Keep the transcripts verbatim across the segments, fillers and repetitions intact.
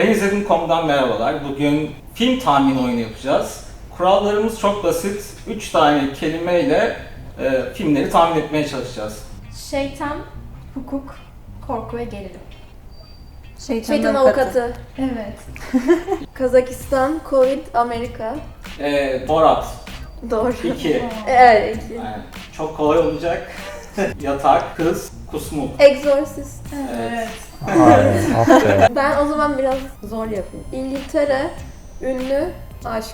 Ben izledim nokta com'dan merhabalar. Bugün film tahmin oyunu yapacağız. Kurallarımız çok basit. üç tane kelimeyle e, filmleri tahmin etmeye çalışacağız. Şeytan, hukuk, korku ve gerilim. Şeytanın Şeytan avukatı. avukatı. Evet. Kazakistan, Covid, Amerika. E, Borat Doğru. iki. Evet, iki. Yani çok kolay olacak. Yatak, kız, kusmuk. Exorcist. Evet. Aynen, aferin. Ben o zaman biraz zor yapayım. İngiltere, ünlü, aşk.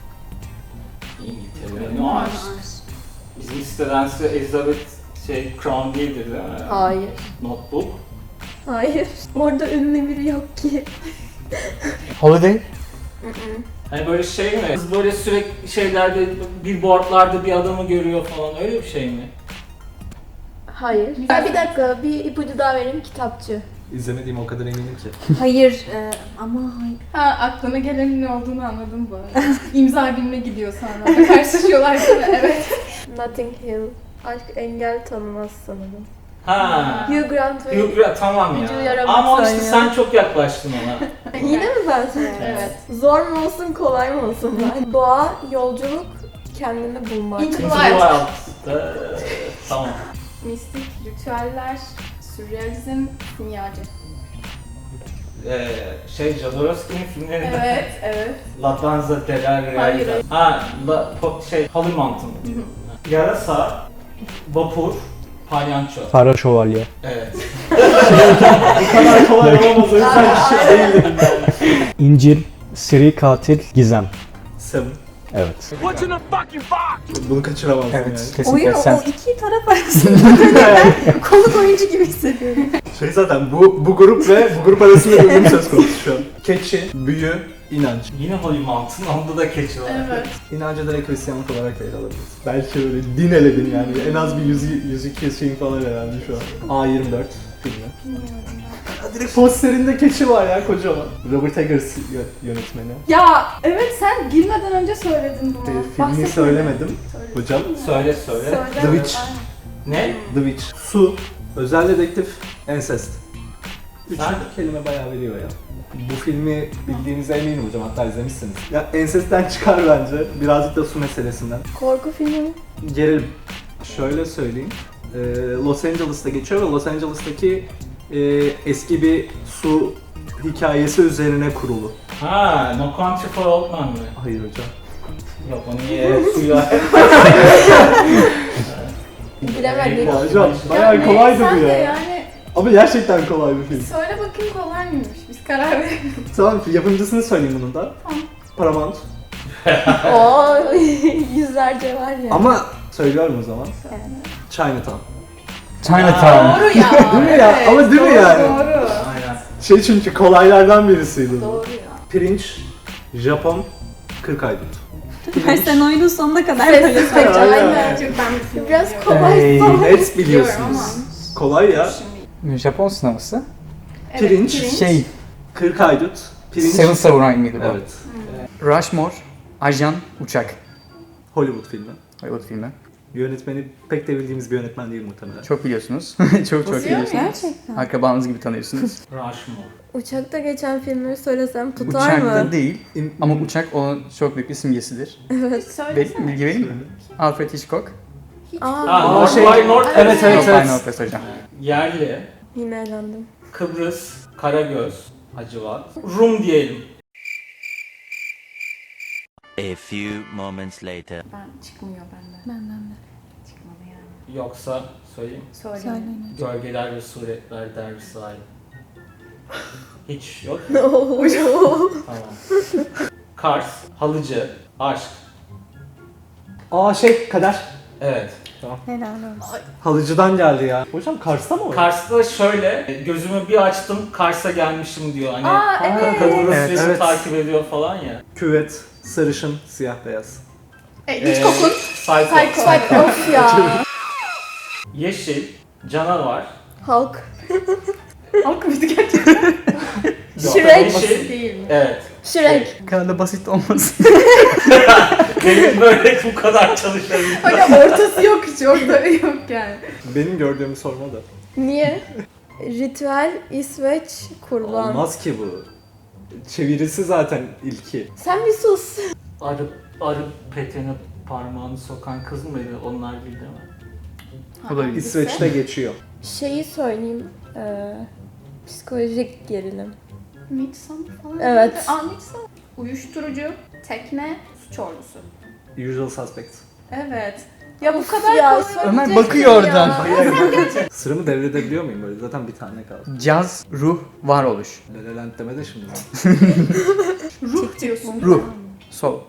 İngiltere, ne aşk. Bizim siteden size Elizabeth şey, Crown değildir değil mi? Hayır. Notebook. Hayır. Orada ünlü biri yok ki. Holiday. Hani böyle şey mi? Kız böyle sürekli şeylerde, billboardlarda bir adamı görüyor falan, öyle bir şey mi? Hayır. Ha, bir dakika, bir ipucu daha vereyim. Kitapçı. İzlemediğim o kadar eminim ki. Hayır. E, ama hayır. Ha, aklına gelenin ne olduğunu anladım bu arada. İmza gününe gidiyor sonra. Karşılaşıyorlar değil mi? Evet. Notting Hill. Aşk engel tanımaz sanırım. Ha. Hugh Grant ve... Hugh Grant, tamam Vücudu ya. yaramaz Ama sen işte ya. sen çok yaklaştın ona. Yine mi ben söyleyeyim? Evet. Zor mu olsun, kolay mı olsun ben? Doğa, yolculuk, kendini bulmak. Into the Into the Wild. Wild'da, tamam. Mistik, ritüeller, sürrealizm, simyacı. Ee, şey, Jodorowsky'nin filmlerinden. Evet, evet. La Danza della Realidad. Hayır, hayır. Ha, La, po- şey, Holy Mountain. Yarasa, vapur, palyanço. Kara şövalye. Evet. Bu kadar kolay olamaz, o yüzden bir şey değil dedim yani. İncil, seri katil, gizem. Seven. Evet. Bunu kaçıramazsın yani. Kesinlikle sen. iki taraf arasında konuk oyuncu gibi hissediyorum. Şey zaten bu bu grup ve bu grup arasında bir uyum söz konusu şu an. Keçi, büyü, inanç. Yine Holy Mountain, onda da keçi var. Evet. İnancı direkt Hristiyanlık olarak da ele alabiliriz. Belki öyle din eledin yani. En az bir yüz, yüz iki şeyin falan herhalde şu an. A yirmi dört filmi. Ya direkt posterinde keçi var ya kocaman. Robert Eggers yö- yönetmeni. Ya evet, sen girmeden önce söyledin bunu. Ee, filmi Bahsetmedin. söylemedim hocam. Söyle söyle. Söyle. The Witch. Ne? The Witch. Su, özel dedektif, incest. Üçüncü Sen- kelime bayağı veriyor ya. Bu filmi bildiğinize eminim hocam, hatta izlemişsiniz. Ya incest'ten çıkar bence, birazcık da su meselesinden. Korku filmi mi? Gerilim. Şöyle söyleyeyim, ee, Los Angeles'ta geçiyor ve Los Angeles'taki e, eski bir su hikayesi üzerine kurulu. Ha, No Country for Old Men mi? Hayır hocam. Yok, onu niye suya... Bilemedik. Ya hocam, Ya bayağı ne, kolaydı sen bu de ya. yani Ama gerçekten kolay bir film. söyle bakayım kolay mıymış? Biz karar verelim. Tamam, yapımcısını söyleyeyim bunun da. Tamam. Paramount. Oo, yüzlerce var ya. Ama söylüyorum o zaman. Chinatown. Chinatown. Doğru ya. Değil mi ya? Evet, Ama değil mi doğru, yani? Doğru. Aynen. Şey çünkü kolaylardan birisiydi bu. Doğru ya. Pirinç, Japon, kırk aydut. Her sen oyunun sonuna kadar Sessiz ve Aynen. aynen. Çok ben bir film Biraz biliyorum. kolay. Hey. Net biliyorsunuz. Kolay ya. Şimdi- Japon sineması. Evet, Pirinç. Şey, kırk aydut, pirinç. Seven Samurai mıydı bu? Evet. Rushmore, Ajan, Uçak. Hollywood filmi. Hollywood filmi. Yönetmeni pek de bildiğimiz bir yönetmen değil muhtemelen. Çok biliyorsunuz. çok çok Nasıl biliyorsunuz. Gerçekten. Akrabanız gibi tanıyorsunuz. Rushmore. Uçakta geçen filmleri söylesem tutar Uçakta mı? değil. İn- Ama uçak onun çok büyük bir simgesidir. Evet. Söylesene. Be- bilgi vereyim mi? Alfred Hitchcock. Aa, Ha, North şey- by North. Evet, evet, Yok, evet. Final Office hocam. Yerli, yine eğlendim. Kıbrıs, Karagöz, Hacivat, Rum diyelim. A few moments later. Ben çıkmıyor benden. Benden de. Çıkmadı yani. Yoksa söyleyeyim. Söyle. Gölgeler ve suretler dergisi ayrı. Hiç yok. Tamam. Kars, Halıcı, Aşk. Aa şey, Kader. Evet. Helal olsun. Halıcıdan geldi ya. Hocam Kars'ta mı o? Kars'ta şöyle, gözümü bir açtım, Kars'a gelmişim diyor. Hani Aa evet. Kıbrıs Evet, resmi evet. takip ediyor falan ya. Küvet, sarışın, siyah beyaz. E, Hitchcock'un Psycho. Psycho. Bak of ya. Yeşil, Canavar. Halk. Halk mıydı gerçekten? Yok, Shrek. Yeşil. Değil mi? Evet. Shrek. Bu kadar da basit olmasın. Benim böyle bu kadar çalışabilirim. Hocam ortası yok hiç, orada yok yani. Benim gördüğümü sorma da. Niye? Ritüel, İsveç, kurban. Olmaz ki bu. Çevirisi zaten ilki. Sen bir sus. Arı, arı petene parmağını sokan kız mıydı? Onlar değil değil mi? Olabilir. İsveç'te geçiyor. Şeyi söyleyeyim. Ee, psikolojik gerilim. Midsommar falan. Evet. Aa Midsommar. Uyuşturucu, tekne, suç ordusu. Usual Suspects. Evet. Ya bu kadar ya, kolay Ömer olabilecek bakıyor şey ya. oradan. Sıramı devredebiliyor muyum böyle? Zaten bir tane kaldı. Caz, ruh, varoluş. Lelelent deme de şimdi. Ruh diyorsun. Ruh, sol.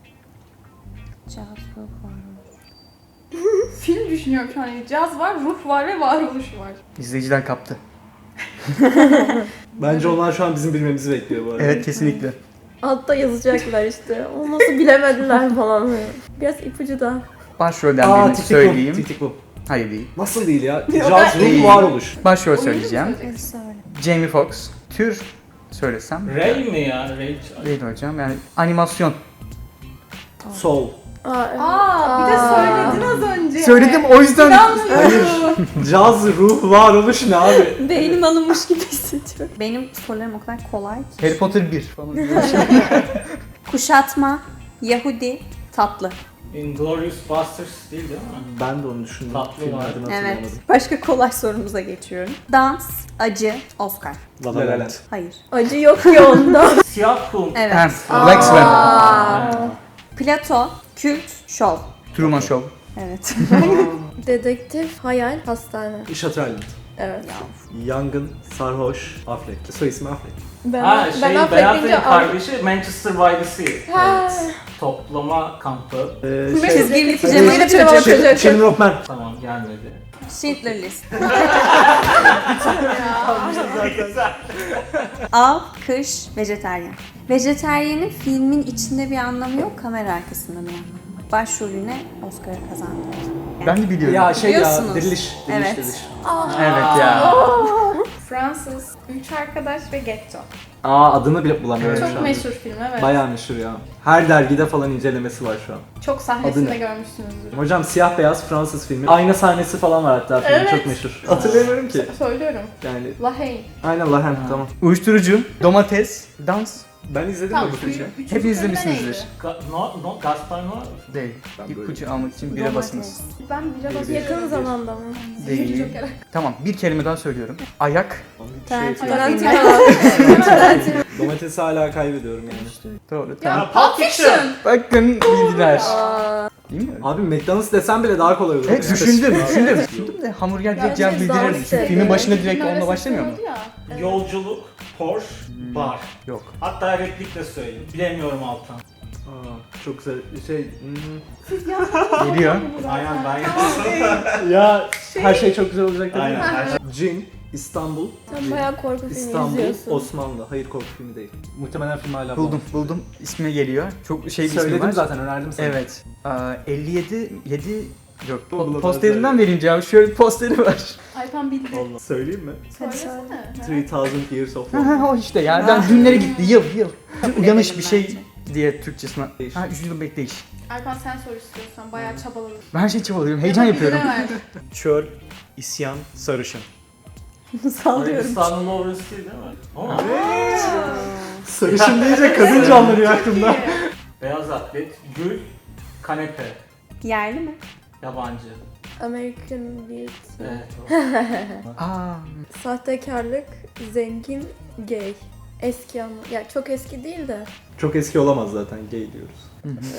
Film düşünüyorum şu an. Yani caz var, ruh var ve varoluş var. İzleyiciler kaptı. Bence onlar şu an bizim bilmemizi bekliyor bu arada. Evet, kesinlikle. Altta yazacaklar işte. O nasıl bilemediler falan. Biraz ipucu da. Başrolden Aa, birini Titik söyleyeyim. bu. Titik bu. Hayır değil. Nasıl değil ya? Yok, Caz, ruh, değil. varoluş. Başrol Oyuncu mu söyleyeceğim. söyleyeceksin? Jamie Foxx. Tür söylesem. Ray mi ya? Ray. Değil hocam, yani animasyon. Soul. Aa, evet. Aa, bir de söyledin az önce. Söyledim, o yüzden. Hayır. Caz, ruh, varoluş ne abi? Beynim alınmış gibi hissediyorum. Benim sorularım o kadar kolay ki. Harry Potter bir falan. Kuşatma, Yahudi, tatlı. Inglourious Basterds değil değil mi? Ben de onu düşündüm. Tatlı Filmin var. adını Evet. hatırlayamadım. Başka kolay sorumuza geçiyorum. Dans, acı, Oscar. La La Land. Hayır. Acı yok ki onda. Siyah kum. Evet. Ha, Black Swan. Aa. Plato, kült, şov. Truman Show. Evet. Dedektif, hayal, hastane. İşat Island. Evet. Yangın, sarhoş, Affleck. Soy ismi Affleck. Ben, Ha ben şey affedince Ben Affleck'in al- kardeşi Manchester by the Sea. Ha. Evet. Toplama kampı. Ee, şey, Çizgili Çizgili pijamalı pijamalı çocuk. çocuk. Children of Men. Tamam gelmedi. Schindler List. Av, kış, vejeteryan. Vejeteryanın filmin içinde bir anlamı yok, kamera arkasında bir anlamı var. Başrolüne Oscar'ı kazandı. Ben de biliyorum. Ya şey ya, Biliyorsunuz. diriliş. Diriliş, Evet. diriliş. Evet ya. Fransız, Üç Arkadaş ve Getto. Aa adını bile bulamıyorum şu Çok an. meşhur film evet. Bayağı meşhur ya. Her dergide falan incelemesi var şu an. Çok Adı sahnesinde ne? görmüşsünüzdür. Hocam siyah beyaz Fransız filmi. Ayna sahnesi falan var hatta filmin Evet. çok meşhur. Hatırlamıyorum ki. Söylüyorum. Yani La Haye. aynen Lahen tamam. Uyuşturucu, domates, dans. Ben izledim Tamam, mi bu filmi? üçüncü Hep filmde izlemişsinizdir. neydi? Ga- no, no, Gaspar Noé. Değil. Ben böyle- İpucu almak için bire basınız. Ben bira basıyorum. Yakın zamanda mı? Değil. Joker. Tamam, bir kelime daha söylüyorum. Ayak. Şey, Tarantino. domatesi hala kaybediyorum yani. Doğru. Tamam. Ya Pulp Fiction. Bakın bildiler. Değil mi? Abi McDonald's desem bile daha kolay olur. Evet yani. düşündüm, düşündüm. Düşündüm de hamburger direkt Bence cevap dans bildirirdi. Çünkü dedi. filmin başında direkt Filmin onunla arasında başlamıyor mu? oldu ya. Yolculuk, Porsche, bar. Yok. Hatta replik de söyleyeyim. Bilemiyorum Altan. Aa, çok güzel şey. hmm. Geliyor. Aynen ben yaptım. Ya her şey çok güzel olacak değil Aynen mi? her şey. Cin, İstanbul, Sen bayağı korku filmi İstanbul, izliyorsun. Osmanlı. Hayır korku filmi değil. Muhtemelen film hala Buldum, buldum. İsmi geliyor. Çok şey bir ismi Söyledim var. zaten önerdim sana. Evet. Aa, elli yedi, yedi yok. Bu Po- bulamadım. posterinden vereyim cevabı. Şöyle bir posteri var. Aypan bildi. Allah. Söyleyeyim mi? Söylesene. three thousand Years of Ha, War. ha, o işte ya. Ben dünlere gitti. Yıl, yıl. Uyanış bir şey bence. diye Türkçesine. Değiş. Ha, üç yıl bekleyiş. Alpan sen sor istiyorsan. Bayağı çabaladım. Ben her şeyi çabalıyorum. Heyecan yapıyorum. Çöl, isyan, sarışın. Sallıyorum. Arabistan'ın orası değil değil mi? Ama Sarışın deyince kadın canlanıyor aklımda. beyaz atlet, gül, kanepe, Yerli mi? yabancı. American Beauty. Evet. o. Aa, Sahtekarlık, zengin, gay. Eski ama. Ya çok eski değil de. Çok eski olamaz zaten gay diyoruz.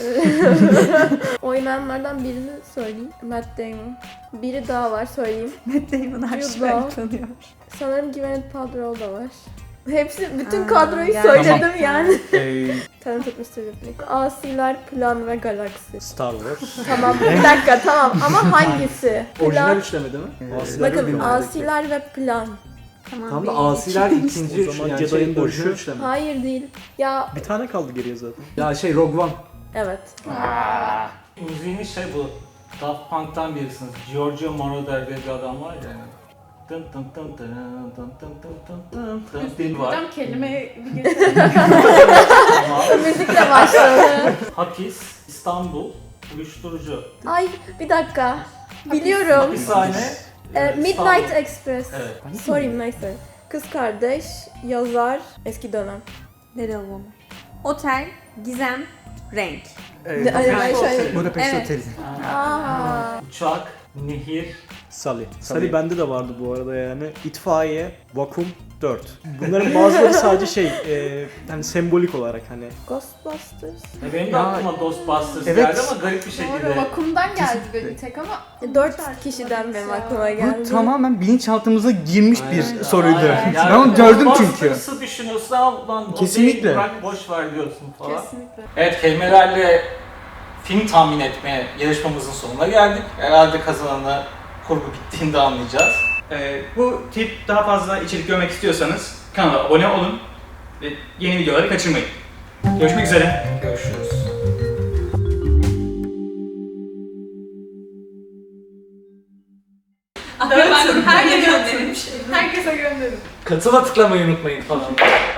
Oynayanlardan birini söyleyeyim. Matt Damon. Biri daha var söyleyeyim. Matt Damon her Jude şeyi Law. tanıyor. Sanırım Gwyneth Paltrow da var. Hepsi, bütün Aa, kadroyu gerçekten. söyledim yani. e, Talented mister Ripley. Asiler, Plan ve Galaksi. Star Wars. Tamam bir dakika tamam ama hangisi? Orijinal Plan. üçleme değil mi? Evet. Asiler Bakın Ürünler'deki. Asiler ve Plan. Tamam. Tam da bir, Asiler iki. ikinci O zaman yani Jedi'nin şey, dönüşü. orijinal üçleme. Hayır değil. Ya Bir tane kaldı geriye zaten. Ya şey Rogue One. evet. Müziğinin şey bu. Daft Punk'tan birisiniz. Giorgio Moroder diye bir adam var ya. Yani. Tın tın tın tın tın tın tın tın tın tın var. Hocam kelime bir geçelim. Tamam. Müzikle başladı. Hapis, İstanbul, uyuşturucu. Ay bir dakika. Biliyorum. Hapishane. Ee, Midnight İstanbul. Express. Evet. Sorry neyse. Kız kardeş, yazar, eski dönem. Deri alalım. Otel, gizem, renk. Ee, Ay, ay, şey. Budapest Evet. Oteli. Aa. Uçak, nehir, Sally. Sally. Sally bende de vardı bu arada yani. İtfaiye, vakum, dört. Bunların bazıları sadece şey, e, hani sembolik olarak hani. Ghostbusters. Ya benim de Ya, aklıma Ghostbusters evet. geldi ama garip bir şekilde. Doğru, vakumdan geldi benim tek ama E, Dört kişiden benim aklıma geldi. Bu tamamen bilinçaltımıza girmiş bir Aynen. soruydu. Aynen. Ben onu gördüm çünkü. Ghostbusters'ı düşünüyorsun ama lan o Kesinlikle. değil, bırak boş ver diyorsun falan. kesinlikle. Evet, kelimelerle film tahmin etme yarışmamızın sonuna geldik. Herhalde kazananı kurgu bittiğinde anlayacağız. Ee, bu tip daha fazla içerik görmek istiyorsanız kanala abone olun ve yeni videoları kaçırmayın. Görüşmek üzere. Görüşürüz. Herkese gönderin. Katıla tıklamayı unutmayın falan.